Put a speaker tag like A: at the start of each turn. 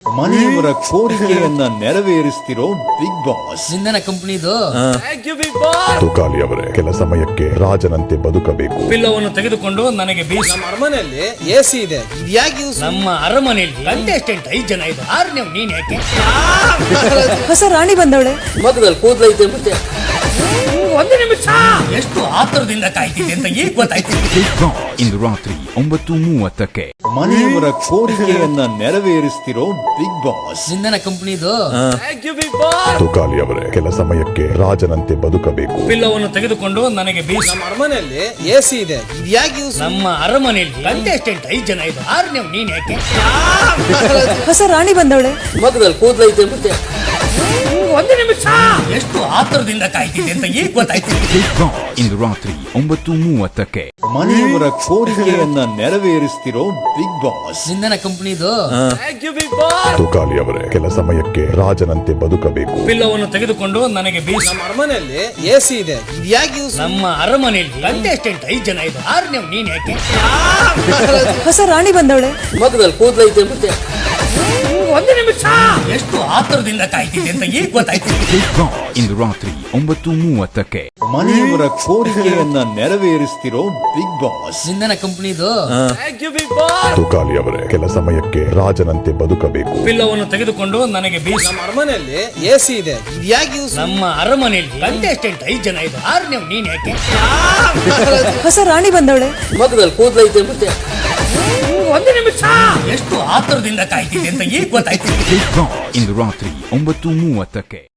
A: ಮನೆಯವರ ಕೋರಿಕೆಯನ್ನ ನೆರವೇರಿಸ್ತಿರೋ big boss.
B: ನಿಂದನ ಕಂಪನಿದು
C: ತುಕಾಲಿ ಅವರೇ, ಕೆಲ ಸಮಯಕ್ಕೆ ರಾಜನಂತೆ ಬದುಕಬೇಕು.
B: ಪಿಲ್ಲವನ್ನು ತೆಗೆದುಕೊಂಡು ನನಗೆ ಬೀಸ್.
D: ನಮ್ಮ ಅರಮನೆಯಲ್ಲಿ ಎಸಿ ಇದೆ, ಇದ್ಯಾಕೆ ಯೂಸ್?
B: ನಮ್ಮ ಅರಮನೆಯಲ್ಲಿ ಕಂಟೆಸ್ಟೆಂಟ್ 5 ಜನ ಇದೆ. 6ನೇ ನೀನ್ ಯಾಕೆ?
E: ಹೊಸ ರಾಣಿ ಬಂದವಳೆ.
B: ಮಗದಲ್ಲಿ ಕೂದಲೈತೆ ಮತ್ತೆ. ಒಂದು ನಿಮಿಷ, ಎಷ್ಟು ಆತರದಿಂದ ಕಾಯ್ತಿದೆ ಅಂತ ಈಗ ಗೊತ್ತಾಯ್ತು.
F: ಇಂದು ರಾತ್ರಿ 9:30ಕ್ಕೆ
A: ಮನೆಯವರ ಕೋರಿಕೆಯನ್ನ ನೆರವೇರಿಸ್ತಿರೋ ಬಿಗ್ ಬಾಸ್.
B: ನಿಂದನ ಕಂಪನಿದು
C: ತುಕಾಲಿ ಅವರೇ, ಕೆಲ ಸಮಯಕ್ಕೆ ರಾಜನಂತೆ ಬದುಕಬೇಕು.
B: ಪಿಲ್ಲವನ್ನು ತೆಗೆದುಕೊಂಡು ನನಗೆ ಬೀಸ್.
D: ನಮ್ಮ ಅರಮನೆಯಲ್ಲಿ ಎಸಿ ಇದೆ, ಇದ್ಯಾಕೆ ಯೂಸ್?
B: ನಮ್ಮ ಅರಮನೆಯಲ್ಲಿ ಕಂಟೆಸ್ಟೆಂಟ್ 5 ಜನ ಇದೆ. 6ನೇ ನೀನ್ ಯಾಕೆ?
E: ಹೊಸ ರಾಣಿ ಬಂದವಳೆ.
B: ಮಗದಲ್ಲಿ ಕೂದಲೈತೆ ಮತ್ತೆ. ಒಂದು ನಿಮಿಷ, ಎಷ್ಟು ಆತರದಿಂದ ಕಾಯ್ತಿದೆ ಅಂತ ಈಗ ಗೊತ್ತಾಯ್ತು.
F: ಇಂದು ರಾತ್ರಿ 9:30ಕ್ಕೆ
A: ಮನೆಯವರ ಕೋರಿಕೆಯನ್ನ ನೆರವೇರಿಸ್ತಿರೋ ಬಿಗ್ ಬಾಸ್.
B: ನಿಂದನ ಕಂಪನಿದು
C: ತುಕಾಲಿ ಅವರೇ, ಕೆಲ ಸಮಯಕ್ಕೆ ರಾಜನಂತೆ ಬದುಕಬೇಕು.
B: ಪಿಲ್ಲವನ್ನು ತೆಗೆದುಕೊಂಡು ನನಗೆ ಬೀಸ್.
D: ನಮ್ಮ ಅರಮನೆಯಲ್ಲಿ ಎಸಿ ಇದೆ, ಇದ್ಯಾಕೆ ಯೂಸ್?
B: ನಮ್ಮ ಅರಮನೆಯಲ್ಲಿ ಕಂಟೆಸ್ಟೆಂಟ್ 5 ಜನ ಇದೆ. 6ನೇ ನೀನ್ ಯಾಕೆ?
E: ಹೊಸ ರಾಣಿ ಬಂದವಳೆ.
B: ಮಗದಲ್ಲಿ ಕೂದಲೈತೆ ಮತ್ತೆ. ಒಂದು ನಿಮಿಷ, ಎಷ್ಟು ಆತರದಿಂದ ಕಾಯ್ತಿದೆ ಅಂತ ಈಗ ಗೊತ್ತಾಯ್ತು.
F: ಇಂದು ರಾತ್ರಿ 9:30ಕ್ಕೆ
A: ಮನೆಯವರ ಕೋರಿಕೆಯನ್ನ ನೆರವೇರಿಸ್ತಿರೋ ಬಿಗ್ ಬಾಸ್.
B: ನಿಂದನ ಕಂಪನಿದು
C: ತುಕಾಲಿ ಅವರೇ, ಕೆಲ ಸಮಯಕ್ಕೆ ರಾಜನಂತೆ ಬದುಕಬೇಕು.
B: ಪಿಲ್ಲವನ್ನು ತೆಗೆದುಕೊಂಡು ನನಗೆ ಬೀಸ್.
D: ನಮ್ಮ ಅರಮನೆಯಲ್ಲಿ ಎಸಿ ಇದೆ, ಇದ್ಯಾಕೆ ಯೂಸ್?
B: ನಮ್ಮ ಅರಮನೆಯಲ್ಲಿ ಕಂಟೆಸ್ಟೆಂಟ್ 5 ಜನ ಇದೆ. 6ನೇ ನೀನ್ ಯಾಕೆ?
E: ಹೊಸ ರಾಣಿ ಬಂದವಳೆ.
B: ಮಗದಲ್ಲಿ ಕೂದಲೈತೆ ಮತ್ತೆ. ಒಂದು ನಿಮಿಷ, ಎಷ್ಟು ಆತರದಿಂದ ಕಾಯ್ತಿದೆ ಅಂತ ಈಗ ಗೊತ್ತಾಯ್ತು.
F: ಇಂದು ರಾತ್ರಿ 9:30ಕ್ಕೆ